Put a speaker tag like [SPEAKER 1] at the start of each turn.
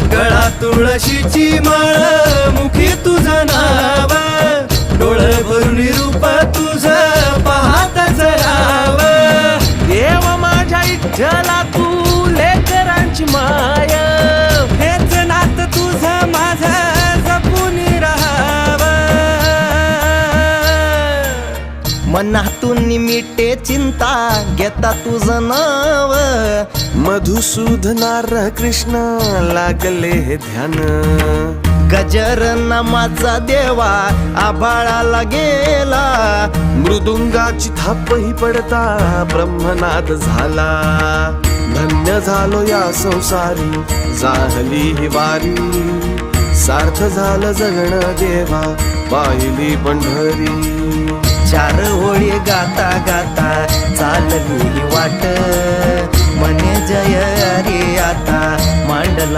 [SPEAKER 1] गळा तुळशीची माळ, मुखी तुझं नाव, डोळ भरून रूप तुझं पाहतच राव.
[SPEAKER 2] देव माझ्या इच्छला तू लेकरांची माय,
[SPEAKER 1] हेच नात तुझं माझं जपून राहाव.
[SPEAKER 3] मनातून मिटे चिंता घेता तुझं नाव,
[SPEAKER 2] मधुसूदनार कृष्ण लागले हे ध्यान.
[SPEAKER 3] गजर नामाचा देवा आभाळाला गेला,
[SPEAKER 2] मृदुंगाची थापही पडता ब्रह्मनाद झाला. धन्य झालो या संसारी झाली ही वारी, सार्थ झालं जगणं देवा पाहिली पंढरी.
[SPEAKER 3] चार ओळी गाता गाता चालली वाट, मने जय अरे आता मांडला